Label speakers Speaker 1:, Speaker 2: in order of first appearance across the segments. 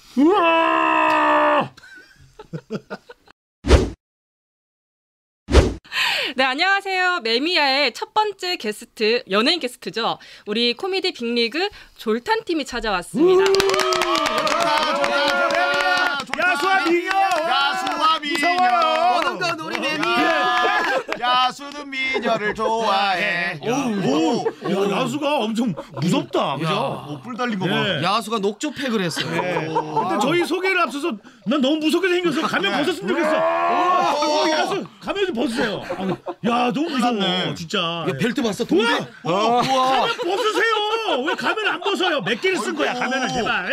Speaker 1: 우와!
Speaker 2: 네, 안녕하세요. 매미야의 첫 번째 게스트, 연예인 게스트죠. 우리 코미디 빅리그 졸탄 팀이 찾아왔습니다.
Speaker 1: 야수와 미녀!
Speaker 3: 야수와 미녀!
Speaker 4: 오는 건 우리 매미야!
Speaker 3: 야수는 미녀를 좋아해.
Speaker 1: 야, 야수가 엄청 무섭다, 그죠?
Speaker 3: 뿔 달린 거 봐.
Speaker 1: 네.
Speaker 4: 야수가 녹조팩을 했어요.
Speaker 1: 근데 저희 소개를 앞서서 난 너무 무섭게 생겨서 가면 벗었으면 좋겠어. 야수 가면 좀 벗으세요. 야, 너무 무서워, 진짜.
Speaker 4: 야, 벨트 봤어? 동대?
Speaker 1: 우와! 가면 벗으세요. 왜 가면 안 벗어요? 몇 개를 쓴 거야, 가면은 제발.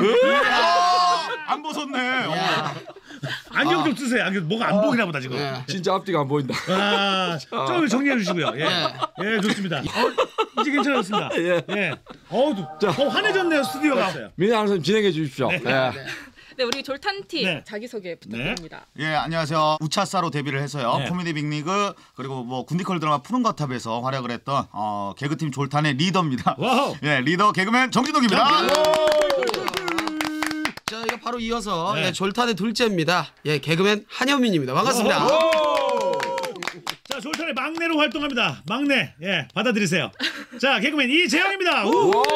Speaker 3: 안 벗었네.
Speaker 1: 안경 좀 쓰세요. 안경 뭐가 안 보이나 보다 지금.
Speaker 5: 진짜 앞뒤가 안 보인다.
Speaker 1: 좀 정리해 주시고요. 예, 좋습니다. 이제 괜찮았습니다. 예. 환해졌네요, 스튜디오가.
Speaker 5: 민혜 선생님 진행해 주십시오.
Speaker 2: 네, 우리 졸탄 팀
Speaker 1: 네.
Speaker 2: 자기소개 부탁드립니다.
Speaker 3: 예, 안녕하세요. 우차사로 데뷔를 해서요.
Speaker 1: 네.
Speaker 3: 코미디 빅리그 그리고 뭐 군디컬 드라마 푸른 거탑에서 활약을 했던 개그팀 졸탄의 리더입니다.
Speaker 1: 와우.
Speaker 3: 예, 리더 개그맨 정진욱입니다.
Speaker 4: 자, 이거 바로 이어서 졸탄의 둘째입니다. 예, 개그맨 한현민입니다. 반갑습니다.
Speaker 1: 자, 졸탄의 막내로 활동합니다. 막내, 받아들이세요. 자, 개그맨 이재영입니다.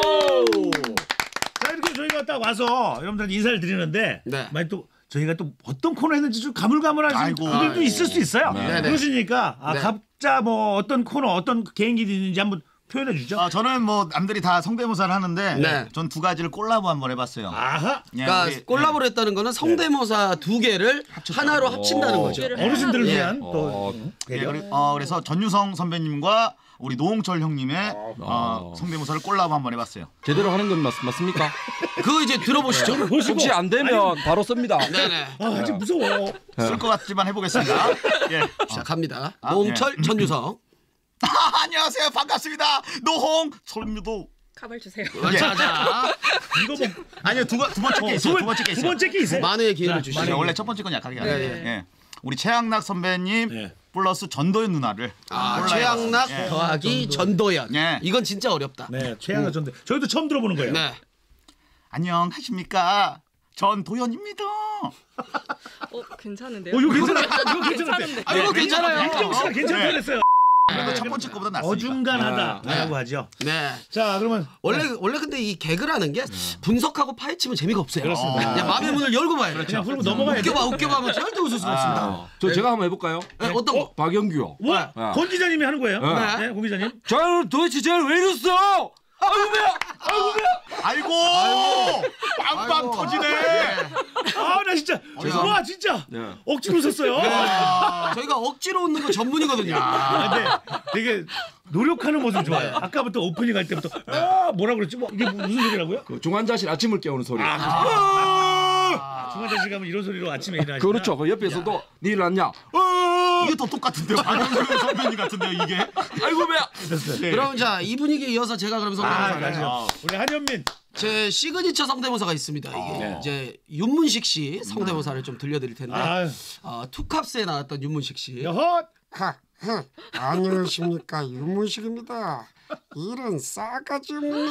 Speaker 1: 자, 이렇게 저희가 딱 와서 여러분들한테 인사를 드리는데, 많이 또 저희가 또 어떤 코너 했는지 좀 가물가물하신 분들도 있을 수 있어요. 그러시니까 각자 뭐 어떤 코너, 어떤 개인기도 있는지 한번 표현해 주죠.
Speaker 3: 저는 뭐 남들이 다 성대모사를 하는데 전 두 가지를 콜라보 한번 해봤어요.
Speaker 1: 아하.
Speaker 4: 그러니까 콜라보를 했다는 거는 성대모사 두 개를 하나로 합친다는 거죠.
Speaker 1: 어르신들을 위한 또
Speaker 3: 그래서 전유성 선배님과 우리 노홍철 형님의 성대모사를 콜라보 한번 해봤어요.
Speaker 5: 제대로 하는 건 맞습니까?
Speaker 4: 그거 이제 들어보시죠.
Speaker 5: 혹시 안 되면 바로 씁니다.
Speaker 4: 네네.
Speaker 1: 아직 무서워.
Speaker 3: 쓸 것 같지만 해보겠습니다. 예.
Speaker 4: 시작합니다. 노홍철, 전유성.
Speaker 3: 안녕하세요, 반갑습니다. 노홍 설미도.
Speaker 2: 가발 주세요.
Speaker 4: 자.
Speaker 1: 이거 뭐
Speaker 3: 아니요, 두 번째 게 있어요.
Speaker 1: 두 번째 게 있어요.
Speaker 4: 만회의 기회를 주시죠.
Speaker 3: 원래 첫 번째 건 약하게 하죠. 예. 우리 최양락 선배님 플러스 전도연 누나를.
Speaker 4: 최양락 더하기 전도연. 이건 진짜 어렵다.
Speaker 1: 네, 최양락 전도. 저희도 처음 들어보는 거예요.
Speaker 4: 네.
Speaker 3: 안녕하십니까, 전도연입니다.
Speaker 2: 괜찮은데요?
Speaker 1: 이거 괜찮아요. 이거 괜찮은데.
Speaker 4: 이거 괜찮아요.
Speaker 1: 이경 씨가 괜찮다 그랬어요.
Speaker 3: 그래도 첫 번째 거보다 낫으니까.
Speaker 1: 어중간하다라고 하죠.
Speaker 4: 네.
Speaker 1: 자, 그러면
Speaker 4: 원래 근데 이 개그라는 게 분석하고 파헤치면 재미가 없어요.
Speaker 1: 그렇습니다.
Speaker 4: 그냥 마음의 문을 열고 봐야 돼요.
Speaker 1: 그냥 풀고 넘어가야 돼.
Speaker 4: 웃겨봐 하면 절대 웃을 수가 없습니다.
Speaker 5: 제가 한번 해볼까요?
Speaker 4: 어떤 거?
Speaker 5: 박영규요.
Speaker 1: 와, 권 기자님이 하는 거예요?
Speaker 4: 네.
Speaker 1: 권 기자님.
Speaker 5: 저는 도대체 쟤를 왜 이랬어?
Speaker 3: 아이고, 빵빵 터지네.
Speaker 1: 나 진짜. 와, 진짜. 억지로 웃었어요.
Speaker 4: 저희가 억지로 웃는 거 전문이거든요.
Speaker 1: 근데 되게 노력하는 모습 좋아요. 아까부터 오프닝 할 때부터 뭐라 그랬지? 이게 무슨 소리라고요?
Speaker 5: 그 중환자실 아침을 깨우는 소리.
Speaker 1: 중간자실 가면 이런 소리로 아침에 일어나시나?
Speaker 5: 그렇죠. 그 옆에서도 니 일어났냐?
Speaker 3: 이게 더 똑같은데요. 박영규 선배님 같은데요, 이게.
Speaker 5: 아이고 배야.
Speaker 4: 그럼 자, 이 분위기에 이어서 제가 그럼 성대모사
Speaker 1: 우리 한현민.
Speaker 4: 제 시그니처 성대모사가 있습니다. 이게 이제 윤문식 씨 성대모사를 좀 들려드릴 텐데 투캅스에 나왔던 윤문식 씨.
Speaker 1: 여헛.
Speaker 6: 안녕하십니까, 윤문식입니다. 이런 싸가지 없는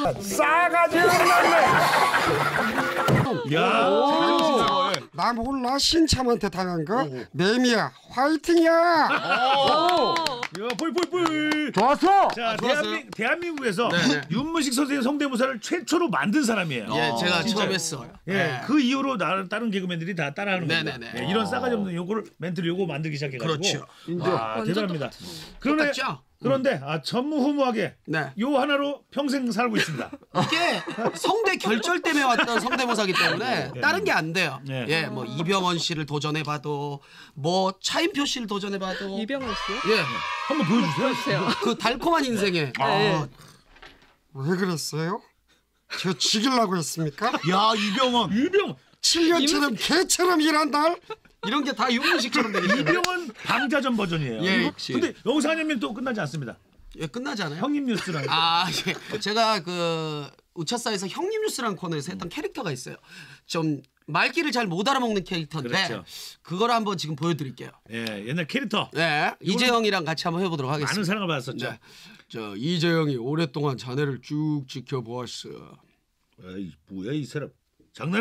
Speaker 1: 야.
Speaker 6: 나 몰라, 신참한테 당한 거. 매미야 화이팅이야.
Speaker 1: 야, 뿔뿔뿔.
Speaker 5: 좋았어.
Speaker 1: 자, 대한민국에서 윤문식 선생님 성대모사를 최초로 만든 사람이에요.
Speaker 4: 예, 제가 처음 했어요.
Speaker 1: 그 이후로 다른 개그맨들이 다 따라하는 거예요.
Speaker 4: 네네네.
Speaker 1: 이런 싸가지 없는 요거를 멘트를 요거 만들기 시작해가지고.
Speaker 4: 그렇죠.
Speaker 1: 대단합니다.
Speaker 4: 똑같죠?
Speaker 1: 그런데 전무후무하게
Speaker 4: 네.
Speaker 1: 요 하나로 평생 살고 있습니다.
Speaker 4: 이게 성대 결절 때문에 왔던 성대모사기 때문에 다른 게 안 돼요. 예, 뭐 이병헌 씨를 도전해봐도, 뭐 차인표 씨를 도전해봐도.
Speaker 2: 이병헌 씨요?
Speaker 4: 예,
Speaker 1: 한번 보여주세요.
Speaker 4: 그 달콤한 인생에.
Speaker 6: 왜 그랬어요? 제가 죽이려고 했습니까?
Speaker 3: 야, 이병헌.
Speaker 6: 7년처럼 개처럼 일한 날?
Speaker 4: 이런 게 다 윤문식처럼 되겠죠.
Speaker 1: 이병헌 방자전 버전이에요.
Speaker 4: 예,
Speaker 1: 근데 여기서 한현민 또 끝나지 않습니다.
Speaker 4: 예, 끝나지 않아요?
Speaker 1: 형님 뉴스랑.
Speaker 4: 예. 제가 그 우차사에서 형님 뉴스라는 코너에서 했던 캐릭터가 있어요. 좀 말귀를 잘 못 알아먹는 캐릭터인데
Speaker 1: 그렇죠.
Speaker 4: 그걸 한번 지금 보여드릴게요.
Speaker 1: 예, 옛날 캐릭터.
Speaker 4: 네, 이재영이랑 같이 한번 해보도록 하겠습니다.
Speaker 1: 많은 사랑을 받았었죠.
Speaker 4: 네. 저 이재영이 오랫동안 자네를 쭉 지켜보았어.
Speaker 1: 에이, 뭐야 이 사람. 장난해?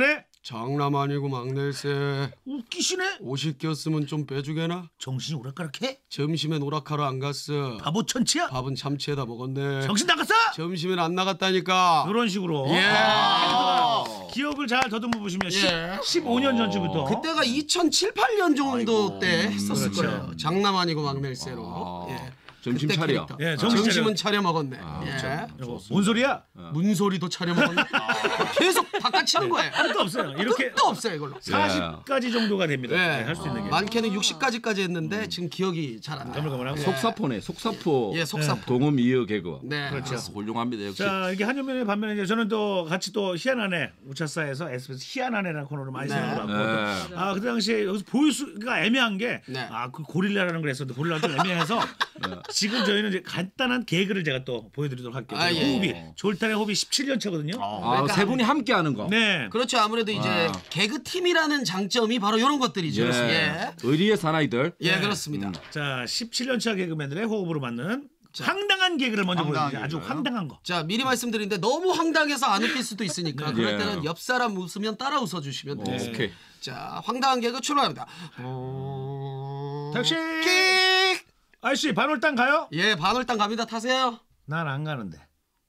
Speaker 6: 장남 아니고 막내일세.
Speaker 1: 웃기시네.
Speaker 6: 옷이 꼈으면 좀 빼주게나?
Speaker 1: 정신이 오락가락해?
Speaker 6: 점심엔 오락하러 안 갔어.
Speaker 1: 바보 천치야?
Speaker 6: 밥은 참치에다 먹었네.
Speaker 1: 정신 나갔어?
Speaker 6: 점심엔 안 나갔다니까.
Speaker 1: 이런 식으로.
Speaker 6: 예.
Speaker 1: 기억을 잘 더듬어 보시면 15년 전쯤부터.
Speaker 4: 그때가 2007, 8년 정도 때 했었을
Speaker 1: 그렇죠.
Speaker 4: 거예요. 장남 아니고 막내일세로. 예.
Speaker 5: 점심
Speaker 4: 그때
Speaker 5: 차려.
Speaker 4: 캐릭터.
Speaker 1: 예, 정신
Speaker 4: 점심은 차려 먹었네. 예.
Speaker 1: 뭔 소리야?
Speaker 4: 문소리도 차려 먹었네. 계속 바꿔치는 거예요.
Speaker 1: 끝도 없어요. 이렇게
Speaker 4: 끝도 없어요 이걸로.
Speaker 1: 40가지 정도가 됩니다.
Speaker 4: 네.
Speaker 1: 할 수 있는 게.
Speaker 4: 많게는 60까지까지 했는데 지금 기억이 잘 안 나요.
Speaker 1: 가물가물하고.
Speaker 5: 속사포네. 속사포.
Speaker 4: 예, 속사포.
Speaker 5: 동음 이어 개그.
Speaker 4: 네.
Speaker 1: 그렇죠.
Speaker 5: 훌륭합니다. 역시.
Speaker 1: 자, 이게 한여면의 반면에 이제 저는 또 같이 또 희한한애 우차사에서 SBS 희한한애라는 코너를 많이 생각을 하고
Speaker 5: 네.
Speaker 1: 그 당시에 여기서 보일 수가 애매한 게
Speaker 4: 네.
Speaker 1: 그 고릴라라는 걸 했었는데 고릴라가 좀 애매해서 지금 저희는 이제 간단한 개그를 제가 또 보여드리도록 할게요.
Speaker 4: 아, 예.
Speaker 1: 호흡이 졸탄의 호흡이 17년 차거든요.
Speaker 5: 아, 세 분이 함께 하는 거.
Speaker 1: 네.
Speaker 4: 그렇죠. 아무래도 이제 개그 팀이라는 장점이 바로 이런 것들이죠.
Speaker 5: 예.
Speaker 4: 예.
Speaker 5: 의리의 사나이들.
Speaker 4: 예, 그렇습니다.
Speaker 1: 자, 17년 차 개그맨들의 호흡으로 맞는 황당한 개그를 먼저 보여드리죠. 아주 황당한 거.
Speaker 4: 자, 미리 말씀드리는데 너무 황당해서 안 웃길 수도 있으니까 그럴
Speaker 5: 예.
Speaker 4: 때는 옆 사람 웃으면 따라 웃어주시면 돼요.
Speaker 5: 오케이.
Speaker 4: 자, 황당한 개그 출발합니다.
Speaker 1: 택시!
Speaker 4: 끽!
Speaker 1: 아저씨 반월당 가요?
Speaker 4: 예, 반월당 갑니다. 타세요.
Speaker 1: 난 안 가는데.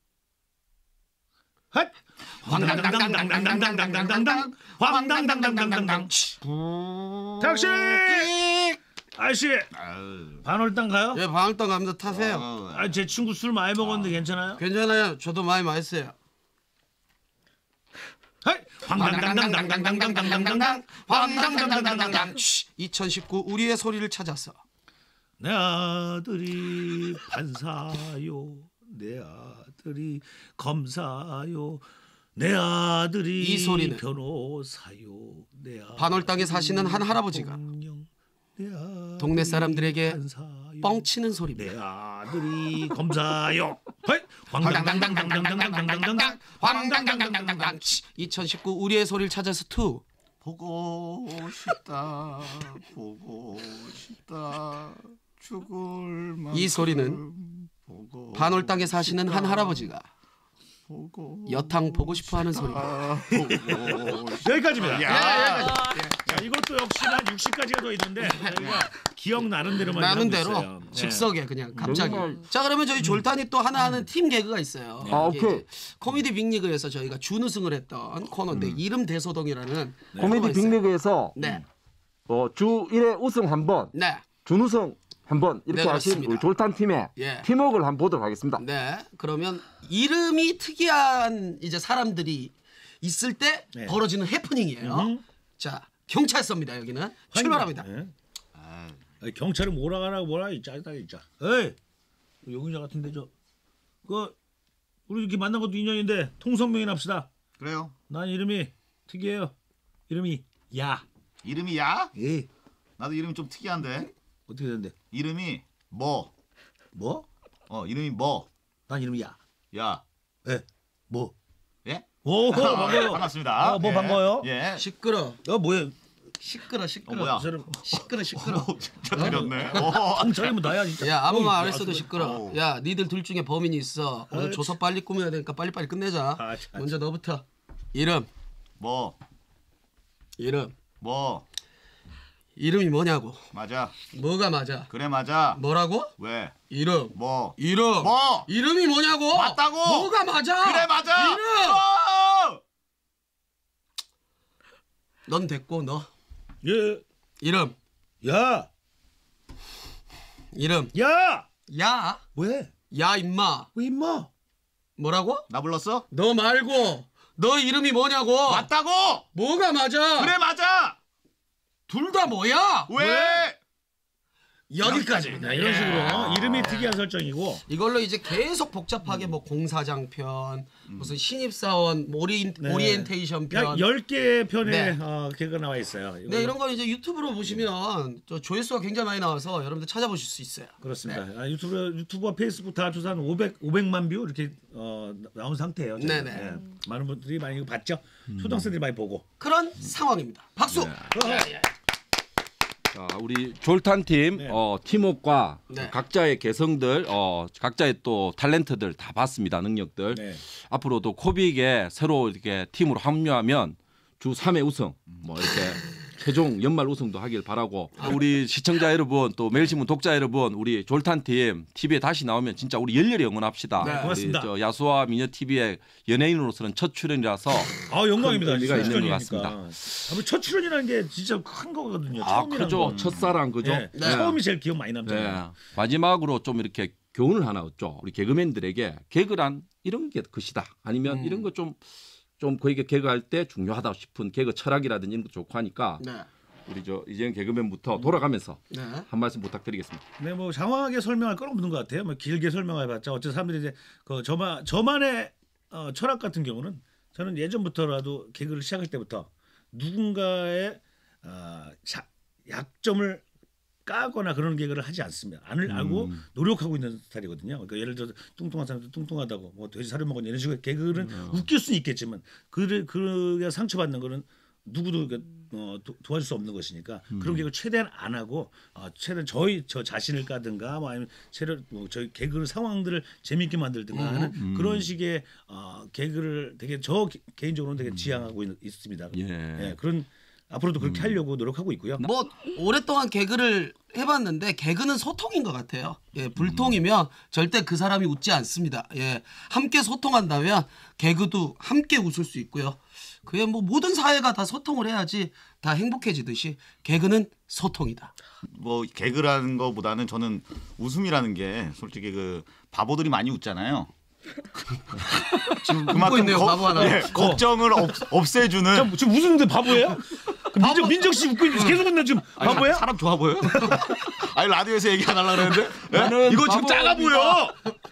Speaker 1: 헛! 황당당당당당당당당당당 황당당당당당당 택시! 아저씨 반월당 가요?
Speaker 4: 예, 반월당 갑니다. 타세요.
Speaker 1: 제 친구 술 많이 먹었는데 괜찮아요?
Speaker 4: 괜찮아요. 저도 많이 마셨어요.
Speaker 1: 헛! 황당당당당당당당당당당
Speaker 4: 황당당당당당당 2019 우리의 소리를 찾아서
Speaker 1: 내 아들이 판사요 내 아들이 검사요 내 아들이
Speaker 4: 이 소리는
Speaker 1: 변호사요 내 아들이
Speaker 4: 반월당에 사시는 한 할아버지가
Speaker 1: 대통령, 내 아들이
Speaker 4: 동네 사람들에게
Speaker 1: 판사요,
Speaker 4: 뻥치는 소리입니다.
Speaker 1: 내 아들이 검사요 헛! 황당당당당당당당당당당
Speaker 4: 황당당당당당당 2019 우리의 소리를 찾아서 2
Speaker 3: 보고 싶다 보고 싶다 죽을 만큼
Speaker 4: 이 소리는
Speaker 3: 보고
Speaker 4: 반월당에 사시는 한 할아버지가
Speaker 3: 보고
Speaker 4: 여탕 보고 싶어하는 소리입니다.
Speaker 1: 여기까지입니다.
Speaker 3: 야,
Speaker 1: 자, 이것도 역시나 60가지가 더 있는데 저희가 기억 나는 대로만
Speaker 4: 나는
Speaker 1: 하고
Speaker 4: 대로
Speaker 1: 있어요. 네.
Speaker 4: 즉석에 그냥 갑자기. 자, 그러면 저희 졸탄이 또 하나 하는 팀 개그가 있어요.
Speaker 5: 아,
Speaker 4: 이게
Speaker 5: 오케이.
Speaker 4: 이제 코미디 빅리그에서 저희가 준우승을 했던 코너인데 이름 대소동이라는 코너가
Speaker 5: 코미디
Speaker 4: 있어요.
Speaker 5: 빅리그에서
Speaker 4: 네.
Speaker 5: 주 1회 우승 한 번,
Speaker 4: 네.
Speaker 5: 준우승 한 번 이렇게
Speaker 4: 네,
Speaker 5: 하신
Speaker 4: 그렇습니다.
Speaker 5: 우리 졸탄 팀의
Speaker 4: 예.
Speaker 5: 팀워크를 한번 보도록 하겠습니다.
Speaker 4: 네. 그러면 이름이 특이한 이제 사람들이 있을 때
Speaker 1: 네.
Speaker 4: 벌어지는 해프닝이에요. 자, 경찰서입니다. 여기는 출발합니다.
Speaker 1: 네. 경찰은 몰아가라고 뭐라 이 짜다 진짜. 에이 용의자 같은데 우리 이렇게 만난 것도 인연인데 통성명인 합시다.
Speaker 3: 그래요
Speaker 1: 난 이름이 특이해요. 이름이 야.
Speaker 3: 이름이 야?
Speaker 1: 예.
Speaker 3: 나도 이름이 좀 특이한데
Speaker 1: 어떻게 되는데?
Speaker 3: 이름이 뭐? 이름이 뭐?
Speaker 1: 난 이름이 야.
Speaker 3: 야.
Speaker 1: 예. 뭐?
Speaker 3: 예?
Speaker 1: 오 반가워요.
Speaker 3: 반갑습니다.
Speaker 1: 뭐 반가워요?
Speaker 3: 예.
Speaker 4: 시끄러.
Speaker 1: 뭐야?
Speaker 4: 시끄러.
Speaker 3: 뭐야?
Speaker 1: 사람
Speaker 4: 시끄러.
Speaker 3: 진짜 때렸네.
Speaker 1: 경찰이면 나야 진짜.
Speaker 4: 야, 아무 말 안
Speaker 1: 어이,
Speaker 4: 했어도 시끄러.
Speaker 3: 어우.
Speaker 4: 야, 니들 둘 중에 범인이 있어. 오늘 조서 빨리 꾸며야 되니까 빨리빨리 끝내자.
Speaker 1: 아, 참.
Speaker 4: 먼저 너부터. 이름.
Speaker 3: 뭐?
Speaker 4: 이름이 뭐냐고.
Speaker 3: 맞아.
Speaker 4: 뭐가 맞아?
Speaker 3: 그래 맞아.
Speaker 4: 뭐라고?
Speaker 3: 왜?
Speaker 4: 이름.
Speaker 3: 뭐?
Speaker 4: 이름.
Speaker 3: 뭐?
Speaker 4: 이름이 뭐냐고?
Speaker 3: 맞다고.
Speaker 4: 뭐가 맞아?
Speaker 3: 그래 맞아.
Speaker 4: 이름. 넌 됐고 너.
Speaker 1: 예.
Speaker 4: 이름.
Speaker 1: 야.
Speaker 4: 이름.
Speaker 1: 야.
Speaker 4: 야.
Speaker 1: 왜?
Speaker 4: 야 임마.
Speaker 1: 왜 임마?
Speaker 4: 뭐라고?
Speaker 3: 나 불렀어?
Speaker 4: 너 말고. 너 이름이 뭐냐고?
Speaker 3: 맞다고.
Speaker 4: 뭐가 맞아?
Speaker 3: 그래 맞아.
Speaker 4: 둘 다 뭐야?
Speaker 3: 왜?
Speaker 4: 여기까지입니다.
Speaker 1: 이런 식으로
Speaker 4: 예.
Speaker 1: 이름이 특이한 설정이고.
Speaker 4: 이걸로 이제 계속 복잡하게 뭐 공사장 편, 무슨 신입사원, 오리엔테이션 편.
Speaker 1: 약 10개의 편에
Speaker 4: 네.
Speaker 1: 개가 나와 있어요.
Speaker 4: 네, 이런 거 이제 유튜브로 보시면 저 조회수가 굉장히 많이 나와서 여러분들 찾아보실 수 있어요.
Speaker 1: 그렇습니다. 유튜브와 페이스북 다 합쳐서 한 500만 뷰 이렇게 나온 상태예요. 저희가.
Speaker 4: 네네.
Speaker 1: 네. 많은 분들이 많이 봤죠. 초등학생들이 많이 보고.
Speaker 4: 그런 상황입니다. 박수.
Speaker 5: 자, 우리 졸탄 팀
Speaker 1: 네.
Speaker 5: 팀워크와
Speaker 4: 네.
Speaker 5: 각자의 개성들, 각자의 또 탤런트들 다 봤습니다. 능력들.
Speaker 1: 네.
Speaker 5: 앞으로도 코빅에 새로 이렇게 팀으로 합류하면 주 3회 우승 뭐 이렇게 최종 연말 우승도 하길 바라고 우리 시청자 여러분 또 매일신문 독자 여러분 우리 졸탄팀 TV에 다시 나오면 진짜 우리 열렬히 응원합시다.
Speaker 1: 네, 고맙습니다.
Speaker 5: 우리 야수와 미녀 TV의 연예인으로서는 첫 출연이라서
Speaker 1: 영광입니다.
Speaker 5: 의미가 있는 것 같습니다.
Speaker 1: 첫 출연이라는 게 진짜 큰 거거든요.
Speaker 5: 그죠. 첫사랑 그죠.
Speaker 1: 네. 네. 처음이 제일 기억 많이 남잖아요.
Speaker 5: 네. 마지막으로 좀 이렇게 교훈을 하나 얻죠. 우리 개그맨들에게 개그란 이런 게 것이다. 아니면 이런 거 좀 거기에 개그할 때 중요하다 싶은 개그 철학이라든지 이런 거 좋고 하니까
Speaker 4: 네.
Speaker 5: 우리 이재영 개그맨부터 돌아가면서
Speaker 4: 네.
Speaker 5: 한 말씀 부탁드리겠습니다.
Speaker 1: 네, 뭐 장황하게 설명할 건 없는 것 같아요. 뭐 길게 설명해봤자 어쨌든 사람들이 이제 그 저만의 철학 같은 경우는 저는 예전부터라도 개그를 시작할 때부터 누군가의 약점을 까거나 그런 개그를 하지 않습니다. 알고 노력하고 있는 스타일이거든요. 그러니까 예를 들어서 뚱뚱한 사람도 뚱뚱하다고 뭐 돼지 살을 먹은 이런 식의 개그는 웃길 수는 있겠지만 그게 상처받는 거는 누구도 도와줄 수 없는 것이니까 그런 개그 최대한 안 하고 최대한 저 자신을 까든가 뭐 아니면 저희 개그 상황들을 재밌게 만들든가 하는 그런 식의 개그를 되게 개인적으로는 되게 지향하고 있습니다. 예, 그런 앞으로도 그렇게 하려고 노력하고 있고요.
Speaker 4: 뭐 오랫동안 개그를 해봤는데 개그는 소통인 것 같아요. 예, 불통이면 절대 그 사람이 웃지 않습니다. 예, 함께 소통한다면 개그도 함께 웃을 수 있고요. 그게 뭐 모든 사회가 다 소통을 해야지 다 행복해지듯이 개그는 소통이다.
Speaker 3: 뭐 개그라는 거보다는 저는 웃음이라는 게 솔직히 그 바보들이 많이 웃잖아요. 지금 그만큼
Speaker 4: 있네요, 바보 하나.
Speaker 3: 걱정을 없애주는.
Speaker 1: 지금 웃는데 바보예요? 민정 씨 웃고 계속 웃는 지금 바보야?
Speaker 3: 사람 좋아 보여? 아니 라디오에서 얘기 안 하려고 그랬는데
Speaker 1: 나는 이거 지금 작아 보여.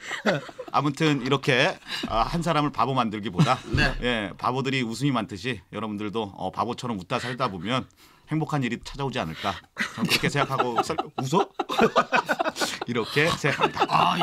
Speaker 3: 아무튼 이렇게 한 사람을 바보 만들기보다 바보들이 웃음이 많듯이 여러분들도 바보처럼 웃다 살다 보면 행복한 일이 찾아오지 않을까 저는 그렇게 생각하고 웃어? 이렇게 생각합니다.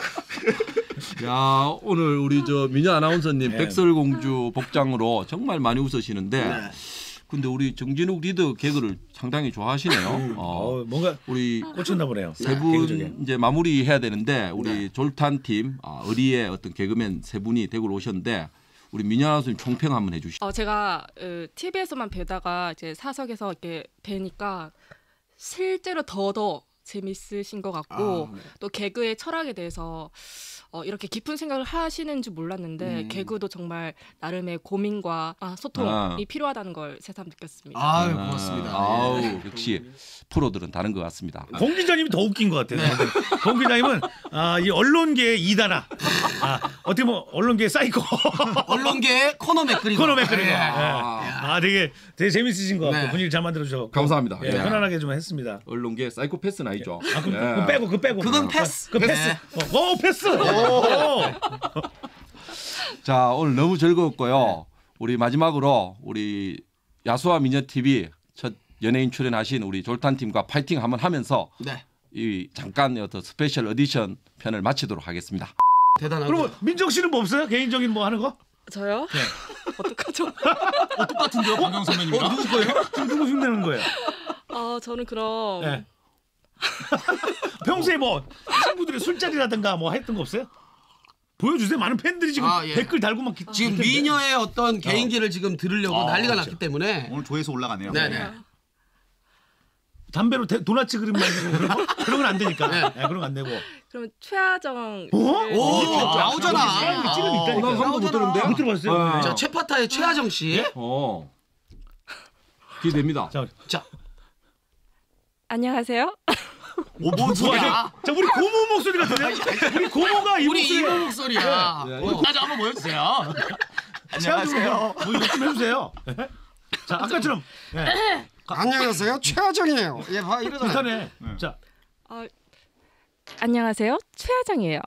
Speaker 5: 예. 야 오늘 우리 미녀 아나운서님 백설공주 복장으로 정말 많이 웃으시는데 근데 우리 정진욱 리더 개그를 상당히 좋아하시네요.
Speaker 1: 뭔가
Speaker 5: 우리
Speaker 1: 꽂혔나 보네요.
Speaker 5: 세 분 이제 마무리해야 되는데 우리 졸탄 팀 의리의 어떤 개그맨 세 분이 대구로 오셨는데 우리 미녀 아나운서님 총평 한번 해주시죠.
Speaker 2: 제가 TV에서만 뵈다가 이제 사석에서 이렇게 뵈니까 실제로 더 재밌으신 것 같고 또 개그의 철학에 대해서 이렇게 깊은 생각을 하시는 줄 몰랐는데 개그도 정말 나름의 고민과 소통이 필요하다는 걸 새삼 느꼈습니다.
Speaker 4: 고맙습니다.
Speaker 5: 역시 프로들은 다른 것 같습니다.
Speaker 1: 공 기자님이 더 웃긴 것 같아요. 공 기자님은 이 언론계의 이다라. 어떻게 보면 언론계의 사이코.
Speaker 4: 언론계의 코너 맥그리거.
Speaker 1: 되게 재밌으신 것 같고 분위기 잘 만들어 주셔서
Speaker 5: 감사합니다.
Speaker 1: 편안하게 좀 했습니다.
Speaker 5: 언론계 사이코패스는 아니죠.
Speaker 1: 그거 빼고.
Speaker 4: 그건 패스.
Speaker 1: 패스. 패스.
Speaker 5: 자 오늘 너무 즐거웠고요. 우리 마지막으로 우리 야수와 미녀 TV 첫 연예인 출연하신 우리 졸탄 팀과 파이팅 한번 하면서 이 잠깐 어떤 스페셜 어디션 편을 마치도록 하겠습니다.
Speaker 4: 대단하고.
Speaker 1: 그럼 민정 씨는 뭐 없어요? 개인적인 뭐 하는 거?
Speaker 2: 저요? 어떡하죠?
Speaker 3: 똑같은데요, 박영 선배님이랑?
Speaker 1: 누구 거예요? 지금 누구 흉내는 거예요?
Speaker 2: 저는 그럼
Speaker 1: 평소에 뭐 친구들의 술자리라든가 뭐 했던 거 없어요? 보여주세요. 많은 팬들이 지금 댓글 달고 막
Speaker 4: 지금 미녀의 어떤 개인기를 지금 들으려고 난리가 났기 때문에
Speaker 3: 오늘 조회수 올라가네요.
Speaker 4: 네네.
Speaker 1: 담배로 도나츠 그림 만들고 그런 건 안 되니까. 그런 건 안 되고.
Speaker 2: 그러면 최하정.
Speaker 4: 나오잖아.
Speaker 1: 지금 있다니까.
Speaker 5: 못 들었는데?
Speaker 1: 못 들어봤어요.
Speaker 4: 자, 최파타의 최하정 씨.
Speaker 5: 기대됩니다.
Speaker 4: 자.
Speaker 2: 안녕하세요.
Speaker 3: 뭔 소리야?
Speaker 1: 자, 우리 고모 목소리 같은데? 우리 고모가
Speaker 4: 우리 이모 목소리야.
Speaker 3: 나 한번 보여주세요. 안녕하세요.
Speaker 1: 뭐 이거 좀 해주세요. 자, 아까처럼.
Speaker 6: 안녕하세요, 최하정이에요.
Speaker 1: 비슷하네. 자,
Speaker 2: 안녕하세요. 최하정이에요.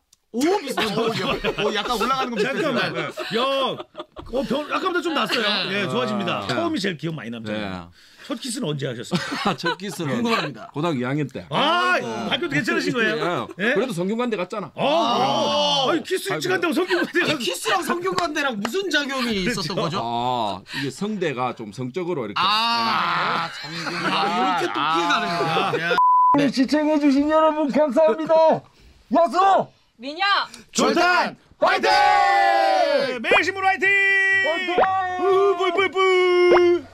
Speaker 3: 약간 올라가는 거
Speaker 1: 잠깐만. 아까보다 좀 낫어요. 좋아집니다. 처음이 제일 기억 많이 남잖아요. 첫 키스는 언제 하셨어요?
Speaker 5: 첫 키스는
Speaker 4: 궁금합니다.
Speaker 5: 고등학교 2학년 때.
Speaker 1: 학교도 괜찮으신 거예요?
Speaker 5: 그래도 성균관대 갔잖아.
Speaker 1: 키스 일찍 한다고 성균관대.
Speaker 4: 키스랑 성균관대랑 무슨 작용이 있었던 거죠?
Speaker 5: 이게 성대가 좀 성적으로 이렇게.
Speaker 4: 이렇게 또 피해가네요.
Speaker 1: 시청해주신 여러분 감사합니다. 야수
Speaker 2: 미녀
Speaker 1: 졸탄 화이팅! 매일신문 화이팅! 뿌뿌뿌.